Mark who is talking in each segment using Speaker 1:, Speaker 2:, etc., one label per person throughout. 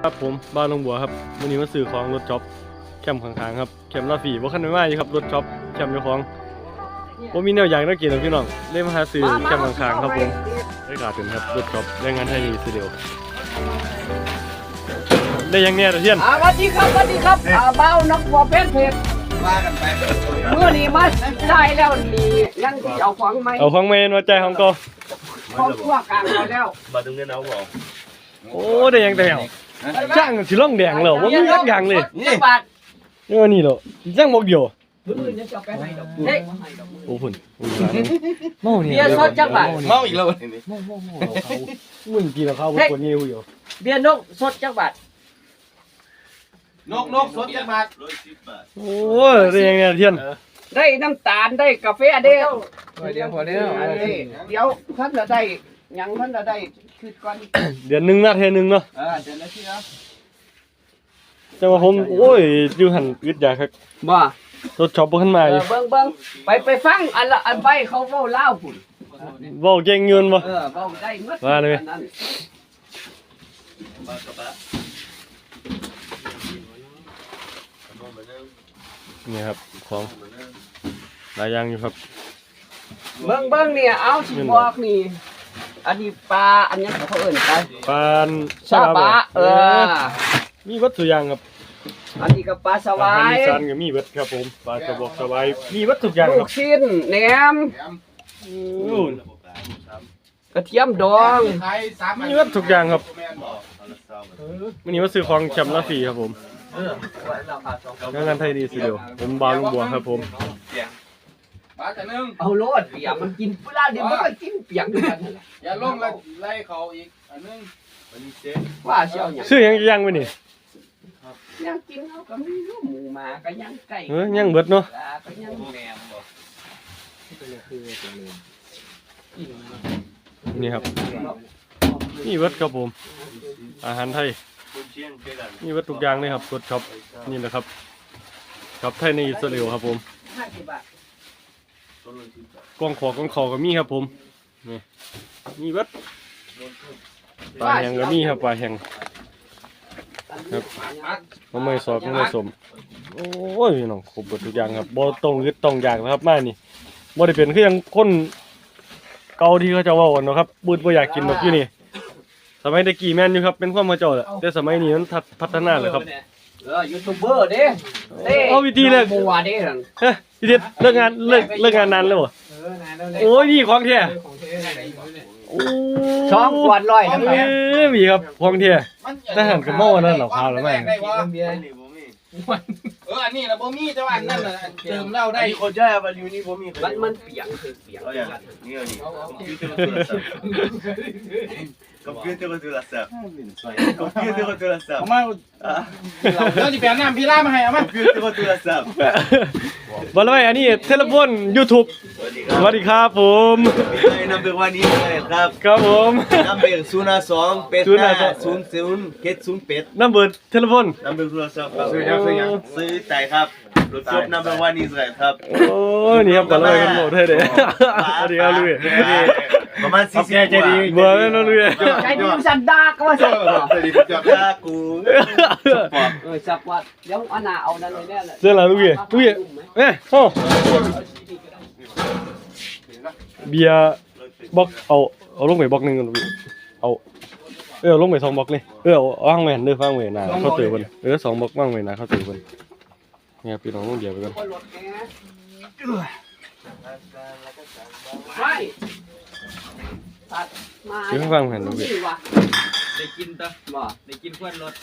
Speaker 1: ครับผมบ้านลงบัวครับวันนี้มาซื้อของรถจ็อบแคมป์ข้างๆครับแคมป์ลาฟีว่าขั้นไม่ไหวครับรถจ็อบแคมป์เจ้าของว่ามีแนวอย่างน่ากินหรอพี่น้องเล่มาหาซื้อแคมป์ข้างๆครับผมได้ขาดถึงครับรถจ็อบแรงงานไทยดีสุดเดียวได้ยังเนี่ยตะเทียน
Speaker 2: สวัสดีครับเบ้านักบัวเป็นเพชรมากันไปเมื่อนี้มาได้แล้วนี่ยังที่เอาของไหม
Speaker 1: เอาของเมนมาใจของก็
Speaker 2: ของพวกกลางเราแล้ว
Speaker 3: มาตรงนี้นะบอก
Speaker 1: โอ้ได้ยังแต่จ้างสิล่องแดงเหรอว่ามียักอย่างเลย
Speaker 2: นี่บาท
Speaker 1: นี่ว่านี่เหรอจ้างบอกเดียวโอ้ฝุ่นเมาเนี่ย
Speaker 2: เบียร์สดจังบาท
Speaker 3: เมาอีกแล้ว
Speaker 1: เมาเขามึงกินเขาคนนี้อยู่
Speaker 2: เบียร์นกสดจังบาท
Speaker 3: นกสดจังบาท
Speaker 1: โอ้ยได้ยังไงเทียน
Speaker 2: ได้น้ำตาลได้กาแฟเดียว
Speaker 3: เดี๋ยวพอแล้ว
Speaker 2: เดี๋ยวท่านจะได้ยังท่านจะได้คือก่อน
Speaker 1: เดือนหนึ่งนะเทนึงเนาะ
Speaker 2: เดือนละทีแล้ว
Speaker 1: จะมาผมโอ้ยอยู่หันอึดอยากครับ
Speaker 2: บ่
Speaker 1: รถช็อปขึ้นมา
Speaker 2: เบิ่งไปฟังอันใบเขาเว้าเล่าพุ่น
Speaker 1: เว้าเก่งเงินบ่
Speaker 2: เว้าได้หมด
Speaker 1: ว่าเลยนี่ครับของหลายอย่างอยู่ครับ
Speaker 2: เบิ่งเนี่ยเอาสิบอกนี่อันนี้ปลาอันนี้เขาเอิ้น
Speaker 1: ปลา
Speaker 2: ซาบะ
Speaker 1: มีวัตถุอย่างครับ
Speaker 2: อันนี้ก็ปลาสวาย
Speaker 1: มีซันก็มีเบิดครับผมปลากระบอกสวายมีวัตถุอย่าง
Speaker 2: ลูกชิ้นแหนมกระเทียมดอง
Speaker 1: มีวัตถุอย่างครับวันนี้มาซื้อของแชมป์ลาฟีครับผมงานไทยดีสุดเดียวผมบาลุงบัวครับผม
Speaker 2: เอาโลดเปียกมันกินเวลาเดี๋ยวมันก็กินเปียกด้วยกัน
Speaker 3: อย่าลงไล่เขาอีกอันนึง
Speaker 2: ว่าเชียว
Speaker 1: ซื้อยังไว้นี่
Speaker 2: ยังกินเขาก็มีลูกหมูมาก็ยังไก่
Speaker 1: ยังเบิดเนาะ
Speaker 2: ก็ยังแหนม
Speaker 1: นี่ครับนี่เบิดครับผมอาหารไทยนี่วัตถุอย่างเลยครับรถช็อปนี่แหละครับช็อปไทยในอิสราเอลครับผมกล้องขอก็มีครับผมนี่วัดปลาแห้งก็มีครับปลาแห้งครับมะม่วงซอสมะม่วงสมโอ้ยน้องครบหมดทุกอย่างครับบ่ต้องยึดต้องอยากนะครับมานี่บ่ได้เป็นคือยังคนเก่าที่เขาจะว่ากันเนาะครับบูดบ่อยากกินดอกอยู่นี่สมัยตะกี้แม่นอยู่ครับเป็นความมาเจ้าแหละแต่สมัยนี้มันพัฒนาเลยครับ
Speaker 2: ยูทูบเบอร์เด้
Speaker 1: เอาวิธีเลย
Speaker 2: บัวเด้
Speaker 1: พี่เด็ดเลิกงานนานแล้วเหรอโอ้ยนี่ของแท้
Speaker 2: ช่องกวาดร้อย
Speaker 1: มีครับของแท้ทหารกับหม้อนั่นเหรอพาแล้วแม่
Speaker 3: อันนี้นะบ่มีแต่ว่าอันนั้นน่ะเติมเหล้าได้คนใช้บาลิวนี่บ่มี
Speaker 2: มันเปียก
Speaker 3: นี่คอมพิวเตอร์ก็โทรศัพท์คอมพิวเตอร์ก็โทรศัพท์เอามาเราจะเปลี่ยนน้ำพี่ล่ามาให้เอามาคอมพิวเตอร์ก็โทรศัพท์
Speaker 1: บอลไว้อันนี้เทเลโฟน YouTube สวัสดีครับผม
Speaker 3: นำเบอร์วันนี้เลยครับ
Speaker 1: ครับผม
Speaker 3: นำเบอร์052เป็ด00เกต0เป็ด
Speaker 1: นำเบอร์เทเลโฟน
Speaker 3: นำเบอร์โทรศัพท์ซื้อใจครับรถจบนำเบอร์วันนี้เลยครับ
Speaker 1: โอ้นี่ครับบอลไว้กันหมดเลยเด้สวัสดีครับลุย
Speaker 3: ประมาณ40
Speaker 1: ใจดีเบอร์นั่นลุย
Speaker 2: ใจดีสันดาก็ว่าสั
Speaker 3: ใจดีจับยากู
Speaker 2: สับวัดเดี๋ยวอันน่ะเอานั่นเลยเนี่ย
Speaker 1: เสื้อละลุยเอ้โอ้เบียร์บล็อกเอาลงไปบล็อกนึงกันเอาลงไป2บล็อกนี่เอาวางไว้หันเด้อวางไว้หน้าเขาตื่นเพิ่น2บล็อกวางไว้หน้าเขาตื่นเพิ่นเนี่ยพี่น้องลงเดียวไปก่อน
Speaker 2: ไม่ตัดมา
Speaker 1: เดี๋ยวฟังหันดูดิ
Speaker 3: ได้กินตะบ่ได้กินควันรถ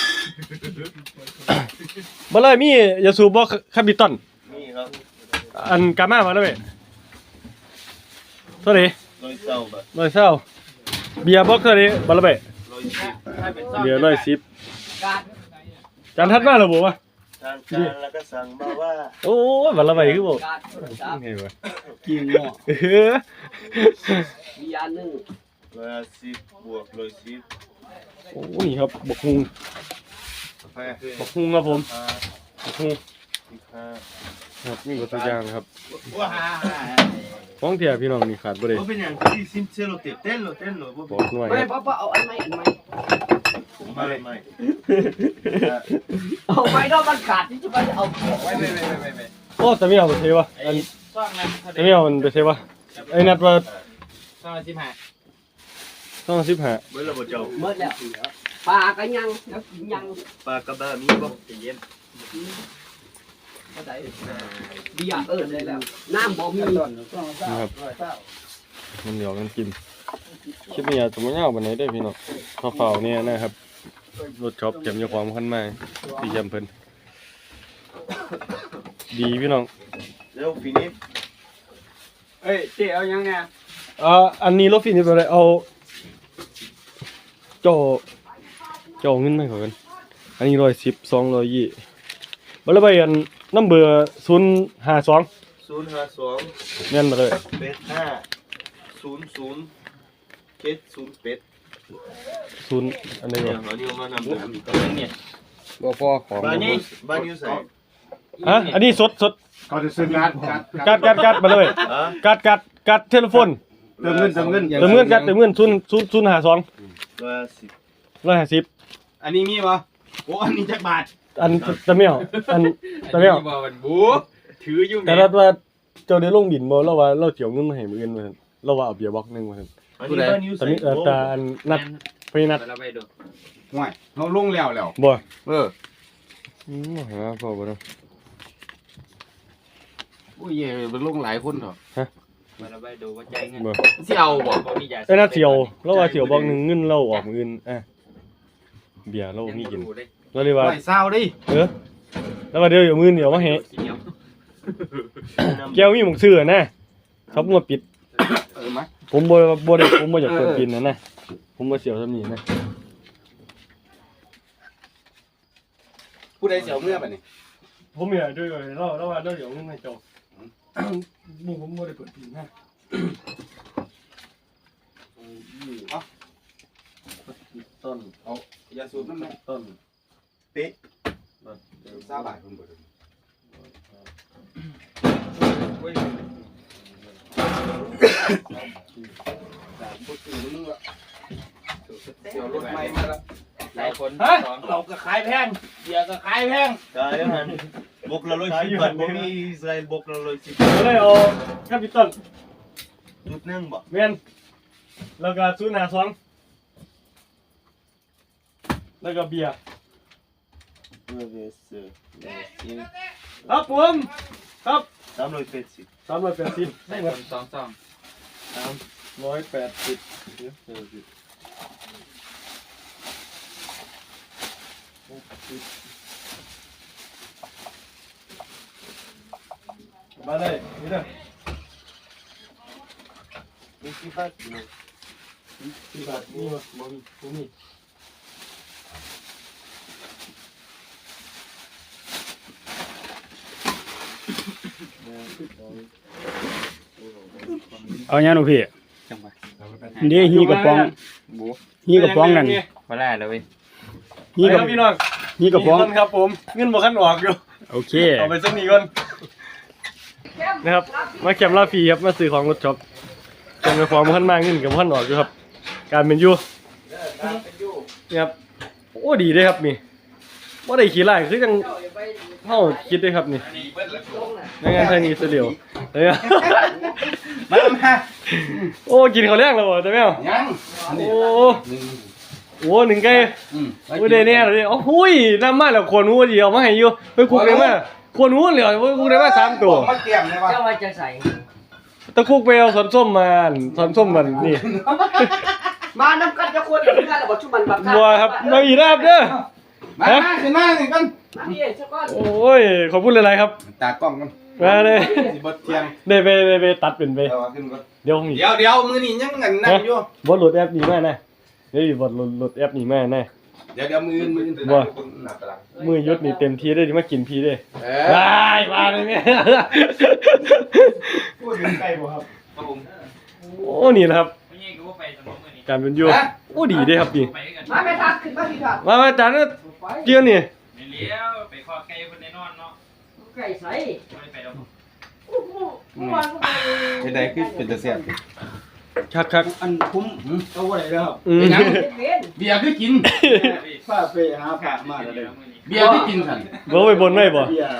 Speaker 1: บ่เลยมียาสูบบ่คาบิตัน
Speaker 3: มีครับ
Speaker 1: อันกามาแล้วเว้ยเท่าไหร่120เบียร์บ็อกเท่าไหร่บ่ละเว้ย110เบียร์110จานทัดมาแล้วบ่วะ
Speaker 3: แล้วก็สั่งมาว่า
Speaker 1: โอ้ยบ่ละเว้ยคือบ่เฮ้ยวะ
Speaker 2: กินเนาะเบียร์นึง
Speaker 3: 110บวก110
Speaker 1: โอ้นี่ครับบักฮุงครับผมบักฮุงครับนี่ก็ตัวอย่างครับของเที่ยพี่น้องนี่ขาดบ่ได้
Speaker 3: เป็นอย่างที่ซิมเซโลเต้นโล
Speaker 1: บอกหน่อย
Speaker 2: ไม่เอาอันใหม่
Speaker 3: ไม่
Speaker 2: เอาไปเนาะมันขาดที่จะไปเอาไว้
Speaker 3: ไม่
Speaker 1: โอ้แต่ไม่เอาไปเทวะอัน
Speaker 4: ซ่องนะ
Speaker 1: แต่ไม่เอามันไปเทวะไอ้นัดว่า
Speaker 4: ซ่องละ15
Speaker 1: ต้อง15
Speaker 3: เมื่อเราบอกเจ้า
Speaker 2: เมื่อแล้วปลาก็ยังแล้วกินยัง
Speaker 3: ปลากระบ้ามีบ่ใจเย็น
Speaker 2: ก็ได้เบียร์เลยแล้วน้ำบ่มี
Speaker 1: นะครับมันเดี๋ยวกันกินคลิปนี้อาจจะไม่ยาวปานไหนได้อพี่น้องเฝ้าๆเนี่ยนะครับรถช็อปเก็บอยู่ความคันมาดีจำเพิ่นดีพี่น้อง
Speaker 3: เร็วฟินิช
Speaker 2: เอ้ยเจ๊เอายังไง
Speaker 1: อันนี้รถฟินิชอะไรเอาเจ้าเงินไหมขอกันอันนี้110 220บ่ละใบอันน้ำเบอร์052
Speaker 3: 052
Speaker 1: แม่นมาเลย
Speaker 3: 85 00 708
Speaker 1: 0อันนี้
Speaker 3: เนี่
Speaker 1: บ่
Speaker 3: ยเขานี่มานำเดิม
Speaker 4: เนี่ย
Speaker 1: บ่พอของ
Speaker 3: บ้านนี้ใส่
Speaker 1: ฮะอันนี้สด
Speaker 5: เขาจะซื้อการ์ด
Speaker 1: กัดมาเลย
Speaker 3: อ่ะ
Speaker 1: กัดเทเลโฟน
Speaker 5: เติมเงิน
Speaker 1: เติมเงิน050 150
Speaker 5: อันนี้มีป่ะโอ้อันนี้จักบาท
Speaker 1: อันตะเมียวอันตะเมียว
Speaker 4: บ่มันบูถืออยู่
Speaker 1: แต่รัดว่าเจ้าได้ลงบินบ่เราว่าเราเจียวเงินมาให้มื้ออื่นว่าซั่นเราว่าเอาเบียร์บ็อกนึงว่าซั่น
Speaker 3: อันนี้บ้านยู
Speaker 1: ตอน
Speaker 3: ใส่
Speaker 1: นี้ตาอันนัดพี่นัด
Speaker 4: เราไปดู
Speaker 5: ห่วยเราลงแล้ว
Speaker 1: บ่ หาพอบ่เนาะ
Speaker 5: อุ้ยเย่มันลงหลายคนเถอะ
Speaker 4: เราไปดูว่าใจเงิน
Speaker 1: บ่
Speaker 5: สิเอาบ่
Speaker 4: บ่มียา
Speaker 1: ไอ้นัดเสียวเราว่าเสียวบ็อกนึงเงินเราออกมื้ออื่นเบียร์เรามีกินเราเลยว่า
Speaker 5: ห่วยเศร้าดิ
Speaker 1: แล้วว่าเดี๋ยวมื้อเดี๋ยวมาให้แก้วมีหมองซื้อนะเขามาปิด
Speaker 5: มา
Speaker 1: ผมบ่ได้ผมบ่อยากเปิดปินนะผมบ่เสียวซำนี้นะ
Speaker 5: ผู้ใดเสียวเมื่อบัดนี้
Speaker 1: ผมอยากด้วยเราว่าเราเดี๋ยวเงินให้เจ้าบ่ผมบ่ได้เปิดปินนะ ต้น
Speaker 5: เอาอย่าสูบน้ำนะ
Speaker 1: ต้น
Speaker 5: 20 บาทคุณบ่ได้พูดถึงมึงละเสียวรถใหม่มาแล้ว
Speaker 4: หลายคน
Speaker 5: เราก็ขายแพงเบียร์ก็ขายแพง
Speaker 3: ใช่ฮันบกละ110 บาทบ่มีอิสราเอลบกละ110
Speaker 1: ก็เลยเอาแคปิตอล
Speaker 3: จุดหนึ่งบ่
Speaker 1: แม่นแล้วก็052แล้วก็เบียร์ครับผมครับ
Speaker 3: 380
Speaker 1: 380
Speaker 4: หลายคน2ซอง
Speaker 1: 180มาเลยนี่เด้อ
Speaker 3: 20 บาท
Speaker 1: ที่บาทนี่บ่มี
Speaker 5: เอาอย่างหนูพี่
Speaker 4: จังหวะ
Speaker 5: เดี๋ยวฮีกระป๋องฮีกระป๋องนั่น
Speaker 4: บ่ได้เลยเว้ย
Speaker 5: ฮีกระ
Speaker 1: พี่น้อง
Speaker 5: ฮีกระป๋อง
Speaker 1: นี่ครับผมเงินบ่คันออกอยู่
Speaker 5: โอเค
Speaker 1: เอาไปสักนี้ก่อนนะครับมาแคมป์ลาฟีครับมาซื้อของรถช็อปแคมป์ไปฟอร์มขั้นมากเงินกับขั้นออกอยู่ครับ การเป็นอยู่นี่ครับโอ้ดีเลยครับนี่ว่าได้ขี่ไล่คือจังเฮาคิดได้ครับนี่ในงานไทยนี่เสียวเลยอะ
Speaker 5: มา
Speaker 1: โอ้กินข้าวแรงแล้วบ่แต่แม่ว
Speaker 5: ยัง
Speaker 1: โอ้โหหนึ่งไก่โอ้ได้แน่เลยโอ้หุยน้ำมาแล้วคนหัวดีเอามาให้อยู่ไปคุกได้มาคนหัวเหลือคุกได้มา3ตัว
Speaker 5: มาเตรียมเลยว่า
Speaker 2: เจ้าว่าจะใส่
Speaker 1: ตะคุกไปเอาสอนส้มมาสอนส้มมันนี่
Speaker 2: มาน้ำกันจะควรอย่างนี้กันหรือว่าชุมันแบบ
Speaker 1: บัวครับมาอีกนะครับเด้อ
Speaker 5: มาขึ้นมาหนึ่งกัน
Speaker 2: มาพี่เจ้าก้อน
Speaker 1: โอ้ยขอบคุณหลายๆครับ
Speaker 5: ตากล้องกัน
Speaker 1: มาเลย
Speaker 5: สิบดเทียง
Speaker 1: ได้ไปตัดเป็นไป
Speaker 5: เอาขึ้นก่อน
Speaker 1: เดี๋ยวผม
Speaker 5: เดี๋ยวมือนี่ยังเงินนั่นอยู่
Speaker 1: บดโหลดแอปนี้มาแน่เดี๋ยวบดโหลดแอปนี้มาแน่
Speaker 5: เดี๋ยวมือ
Speaker 1: มือยศนี่เต็มที่ได้ที่มากินพี่ได้
Speaker 5: เอ
Speaker 1: ได้มาเลยเนี่ย
Speaker 5: พูดถึงไก่บ่ครับ
Speaker 4: ครับผม
Speaker 1: โอ้นี่นะครับ
Speaker 4: ไม่ใช่ก็ว่าไปสมองมื้อนี้
Speaker 1: การเป็นอยู่โอ้ดีเด้ครับนี่
Speaker 4: ไปกัน
Speaker 2: มาไม่ทักขึ้นมาพี่ครับ
Speaker 1: มาจานนี้เกี่ยวนี่
Speaker 4: ไม่เลี้ยวไปขอไก่เพิ่นได้นอนเนาะ
Speaker 2: ไก่ใส่
Speaker 4: ไม่ได้ไปดอก
Speaker 5: ไอ้ใดคือเป็นตะเสียบ
Speaker 1: คัก
Speaker 5: อันคุ้มเอาไว้แล้ว
Speaker 1: อืม
Speaker 2: เป็น
Speaker 5: เบียร์คือกิน
Speaker 4: พี่
Speaker 5: ป้าไปหาผักมาเลย
Speaker 6: เบียร์ที่กินสั่น
Speaker 1: บ่ไปบนไว้บ่
Speaker 5: เบียร์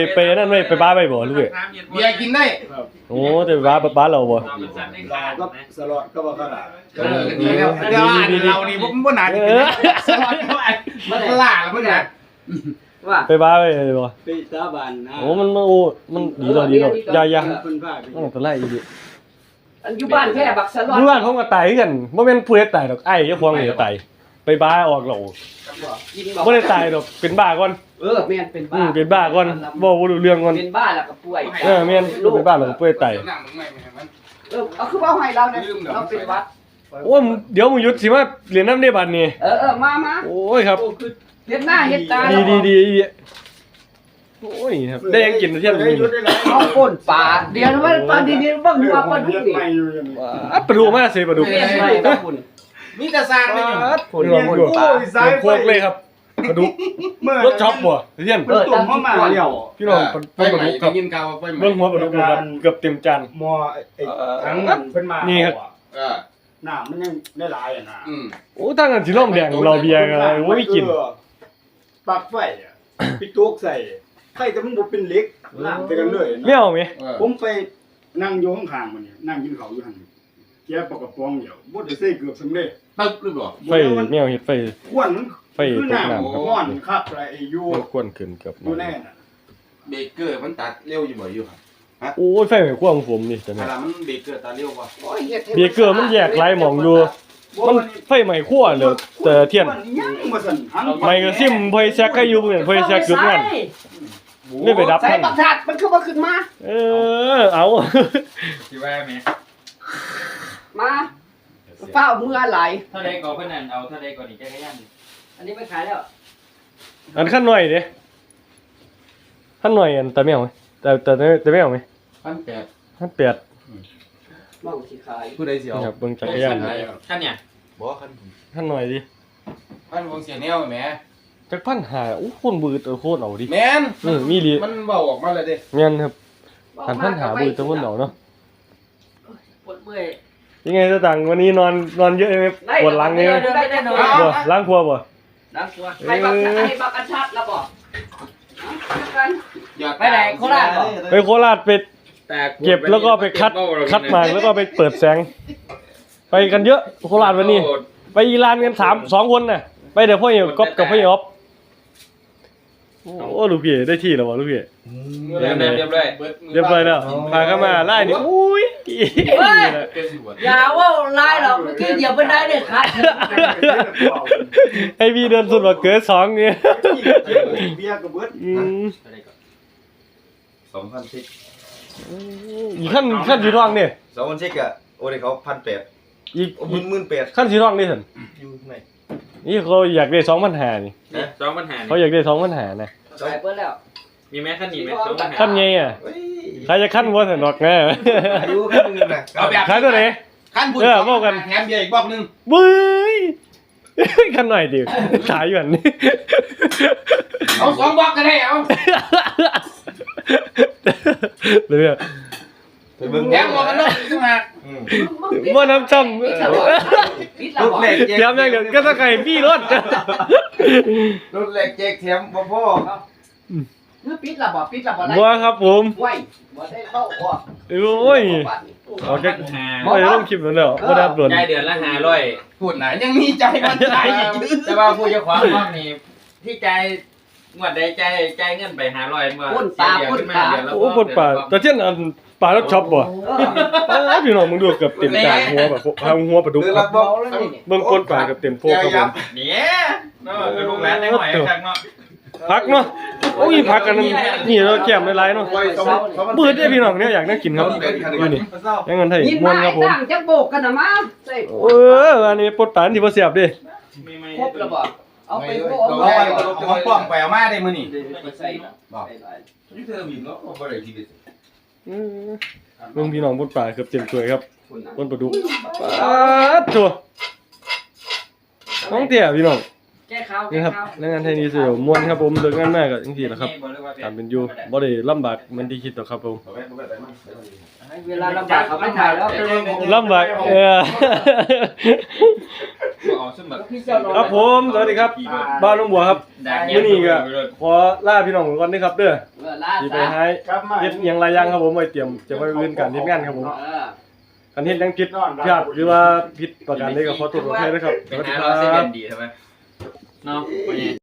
Speaker 1: ไปนั่นไว้ไปบ้าไว้บ่ลูกเอ้ย
Speaker 6: เบียร์กินได้
Speaker 1: โอ้แต่ไปบ้าเราบ่
Speaker 5: ก็สลอดก็บ่ขนาด
Speaker 6: ดีแล้วเดี๋ยวเรานี่บ่น่าจะกินสวัสดีมันล่าแล้วมันน่ะ
Speaker 2: ว่า
Speaker 1: ไปบ้าไว้บ่
Speaker 5: ไปสาบานนะ
Speaker 1: โอ้มันดีดอกอย่า
Speaker 5: เพิ่นพาไป
Speaker 1: ต้องตัวไล่อีก
Speaker 2: อันอยู่บ้านแค่บักสลอด
Speaker 1: เมื่อวานเขาก็ตายคือกันบ่แม่นผู้ใดตายดอกไอ้เจ้าของนี่ตายไปบ้าออกเหล่า
Speaker 2: กิน
Speaker 1: บ่ได้ตายดอกเป็นบ้าก่อน
Speaker 2: แม่นเป็นบ้า
Speaker 1: เป็นบ้าก่อนบ่รู้เรื่องก่อน
Speaker 2: เป็นบ้าแล้วก็ป่วย
Speaker 1: แม่นเป็นบ้าแล้วก็ป่วยตาย
Speaker 2: เอาคือว่าให้เราเนี่ยเราเป็นวัด
Speaker 1: โอ้ยเดี๋ยวมึงหยุดสิมาเรียนน้ำได้บัดนี้
Speaker 2: มา
Speaker 1: โอ้ยครับ
Speaker 2: เฮ็ดหน้าเฮ็ดตา
Speaker 1: ดีโอ้ยครับได้ยังกินเที่ยงนี้
Speaker 2: เอาก้นปลาเดี๋ยวว่าปลาดีๆบ่หัวปลาดุกนี่
Speaker 5: ไม่อยู่อย่างนี้
Speaker 1: ปลาดุกมาสิปลาดุก
Speaker 2: ใช่ต้องคุณ
Speaker 6: มีแต่สร้างได้อยู่
Speaker 1: ปลาดุกเป็นโคกเลยครับปลาดุกรถช็อปบ่เที่ยง
Speaker 5: ตุ่มเข้ามาเดียว
Speaker 1: พี่น้องปลาดุกครับ
Speaker 6: กินกาวไฟไหม
Speaker 1: เบิ่งหัวปลาดุกครับเกือบเต็มจาน
Speaker 5: มอไอ้ทั้งมันเพิ่นมา
Speaker 1: นี่ครับ
Speaker 5: น้ำมันยังได้หลายอ่ะนะ
Speaker 1: โอ้ตั้งกันสิร่องแดงเราเบียร์กันโอ้ยกิน
Speaker 5: ปลักไฟอ่ะไปตุกใส่ไข่แต่มันบ่เป็นเหล็กน้ำแต่กันเลย
Speaker 1: ไม่เอาไหม
Speaker 5: ผมไปนั่งอยู่ข้างๆมันนี่นั่งกินข้าวอยู่หั่นแกปากกระป๋องเดียวบ่ได้ใส่เกือบสำเร็จ
Speaker 6: ตึ๊บหรือเปล่า
Speaker 1: ไฟไม่เอาเห็ดไฟ
Speaker 5: ควนมัน
Speaker 1: ไฟ
Speaker 5: คือ
Speaker 1: ตก
Speaker 5: น้ำ
Speaker 1: น้ำครับ
Speaker 5: ร้อนคักไรอยู่
Speaker 1: มันควนขึ้นเกือบ
Speaker 5: อยู่แน่น่ะ
Speaker 6: เบเกอร์มันตัดเร็วอยู่บ่อยู่ครับ
Speaker 1: โอ้ยไฟไม่ควงผมนี่แต่
Speaker 6: เว
Speaker 1: เนี่ย
Speaker 6: ลามันเบเกอร์ตัดเร็วกว่า
Speaker 2: โอ้ยเฮ็ด
Speaker 1: เบียร์เกอร์มันแยกหลายหม่องอยู่มันไฟใหม่คั่วเลยแต่เทียน
Speaker 5: ยังบ่สั่นหัน
Speaker 1: ไม่ก็ซิมไฟแซกก็อยู่เหมือนไฟแซกจุดนั่นไม่ไปดับ
Speaker 2: ใส่
Speaker 1: ท่าน
Speaker 2: บักชาดมันคือบ่ขึ้นมา
Speaker 1: เอา
Speaker 4: ที่ว่าแม่
Speaker 2: มาเฝ้าเมื่อไหร่
Speaker 4: เท่าใดก็เพิ่นนั่นเอาเท่าใดก็นี่จักรยาน
Speaker 2: อันนี้ไปขายแล้ว
Speaker 1: อันขั้นหน่อยเด้ขั้นหน่อยอันแต่ไม่เอาไหมแต่ไม่เอาไหม
Speaker 6: 1,800
Speaker 1: ขั้นแปด
Speaker 2: มองสิขาย
Speaker 6: ผู้ใดสิเอา
Speaker 1: ครับเบิ่งจักรยาน
Speaker 4: ท่านเนี่ย
Speaker 6: บ่คัน
Speaker 1: ขั้นหน่อยดิ
Speaker 6: พันวงเสียแนวแหม
Speaker 1: จักพันหาโอ้คนบืดโคตรเอาดิ
Speaker 6: แม่น
Speaker 1: มีดี
Speaker 6: มันเว้าออกมาแล้วเด้
Speaker 1: งั้นครับพันพันหาบืดตะคนเอาเนาะ
Speaker 2: ปวดเมื่อย
Speaker 1: ยังไงตะตังวันนี้นอนเยอะไหมปวดหลังไหม
Speaker 2: ได้นอน
Speaker 1: บ่ล้างครัวบ่
Speaker 2: น้ำตัวให้บักอันชัดแล้วบ่กัน
Speaker 6: ไปไหนโคราชบ่
Speaker 1: ไปโคราชไปเก็บแล้วก็ไปคัดมาแล้วก็ไปเปิดแสง ไปกันเยอะโคราชวันนี้ ไปอีรานกัน2 คนน่ะไปเดี๋ยวพ่อเอ๋ก๊อฟกับพ่อเอ๋อฟโอ้ลูกพี่ได้ที่แล้วบ่ลูกพี่
Speaker 4: เรียบร้อย
Speaker 1: เรียบร้อยแล้วพาเข้ามาไล่นี่อุ้ย
Speaker 2: อย่าว่าลายหรอกเมื่อกี้เหยียบบันไดเนี่ยขาด
Speaker 1: ให้พี่เดินสุดว่าเกิด2เนี่ย
Speaker 5: เบียร์ก็เบิด
Speaker 3: 2,000
Speaker 1: อีกขั้นสีทองเนี่ย
Speaker 3: 2,000เช็คอ่ะโอ้ยเขา1,800
Speaker 1: อีก
Speaker 3: 18,000
Speaker 1: ขั้นสีทองนี่สิน
Speaker 3: อยู่ไหน
Speaker 1: นี่เขาอยากได้2,500นี่
Speaker 4: นี่2ปัญหา
Speaker 1: เขาอยากได้2,500นะ
Speaker 2: ขายเปิดแล้ว
Speaker 4: มีแม่คันนี้แม่2ปัญหา
Speaker 1: ขั้นไงอ่ะ
Speaker 3: เฮ้ย
Speaker 1: ใครจะขั้นบ่สนอกแน่
Speaker 3: อายุแค่นึงน่ะ
Speaker 6: เอาแบบ
Speaker 1: ขายตัวไหน
Speaker 6: คันบุญ
Speaker 1: เออบอกกัน
Speaker 6: แถมเบียร์อีกบอกนึง
Speaker 1: บึ้ยขั้นหน่อยดิขายอยู่อันนี้
Speaker 6: เอา2บอกก็ได้เอา
Speaker 1: เดี๋ยว
Speaker 3: ไปเบิ่ง
Speaker 6: แถมหมวกกันน็อกอีกต่างหาก
Speaker 1: ว่าน้ำจ
Speaker 2: ปิด
Speaker 3: ลูก
Speaker 2: แล้ว
Speaker 3: แรก
Speaker 1: ำเตรียมอย่างเดียวก็ต้องไก่พี่รถ
Speaker 3: ลูกแรกแจกแถมพ่อ
Speaker 2: เมื่อปิดแล้วบ่ปิดแล้วบ่ได้
Speaker 1: บัวครับผม
Speaker 2: ไว้บ่ได้เข้าบ่
Speaker 1: โอ้ย
Speaker 4: เอาจักหา
Speaker 1: ไม่ต้องคลิปแล้วเนาะบ่ได้อัปโหลด
Speaker 4: จ่ายเดือนละ500
Speaker 6: พูดไหนยังมีใจมันใจอีก
Speaker 4: แต่ว่าผู้เจ้าของห้องนี่ที่จ่ายงวดใดจ่ายเงินไป500บ่
Speaker 2: ก้นตาก้นตา
Speaker 1: โอ้ปนป่าแต่เช่นอันป่ารถช็อปบ่พี่น้องมึงดูเกือบเต็มจานหัวแบบหัวปลาดุก
Speaker 3: หรือ
Speaker 1: ค
Speaker 3: รั
Speaker 1: รั
Speaker 3: บบ บอก
Speaker 1: เบิ่งปนป่าเกือบเต็มโพกครับผม
Speaker 4: เนี่ยเนาะคือลูกหลานได้หอยคักเนาะ
Speaker 1: พักเนาะโอ้ยพักกันนี่เราแก้มหลายๆเนาะปืดได้พี่น้องเนี่ยอยากนั่งกินครับอยู่นี่ยังเงินไทย
Speaker 2: ยิน
Speaker 1: ม่ว
Speaker 2: มาน
Speaker 1: ครับผม
Speaker 2: ตั้งจักโบกกันน่ะมาใส่
Speaker 1: อันนี้ปนป่าที่บ่เสียบดิ
Speaker 4: มีไหม
Speaker 2: ครบแล้วบ่เอาไปโบ
Speaker 6: เรา
Speaker 2: เอา
Speaker 6: ได้
Speaker 2: ไป
Speaker 6: ของป้อมไปเอามาได้มื้อนี่
Speaker 2: ใส่เนาะ
Speaker 3: นี่เธอมีเนาะบ่ได้ทีเด็ด
Speaker 1: เบิ่งพี่น้องปนป่าเกือบเต็มถ้วยครับปนปลาดุกตัวน้องเตี้ยพี่น้อง
Speaker 2: แก้ข่าว
Speaker 1: นี่
Speaker 2: แก้
Speaker 1: ครับ
Speaker 2: ข่าว
Speaker 1: แรงงานไทยนี่สิม่วนครับผมเลิกงานมากก็จังซี่แหละครับตามเป็นอยู่บ่ได้ลำบากเหมือนที่คิดหรอกครับผม
Speaker 2: เวลาลำบากเขาไม่ถ่ายแล้ว
Speaker 1: ลำบาก
Speaker 4: เอาสมัคร
Speaker 1: ครับผมสวัสดีครับบ้านน้องบัวครับมื้อนี้ก็ขอลาพี่น้องก่อนเด้อครับเด้อ
Speaker 2: ล่า
Speaker 1: สิไป
Speaker 2: ซะ
Speaker 1: หา
Speaker 5: ครับมา
Speaker 1: เฮ็ดหยังหลายอย่างครับผมไว้เตรียมจะไปอื่นกันเฮ็ดงานครับผม คันเฮ็ดหยังผิดพลาดหรือว่าผิดประการใดก็ขอโทษขออภัยด้วยครับส
Speaker 4: เป็น
Speaker 1: วัสดี
Speaker 4: หา
Speaker 1: ค
Speaker 4: เราเซ
Speaker 1: รั
Speaker 4: เว่
Speaker 1: บ
Speaker 4: นดีใช่ไหมเนาะ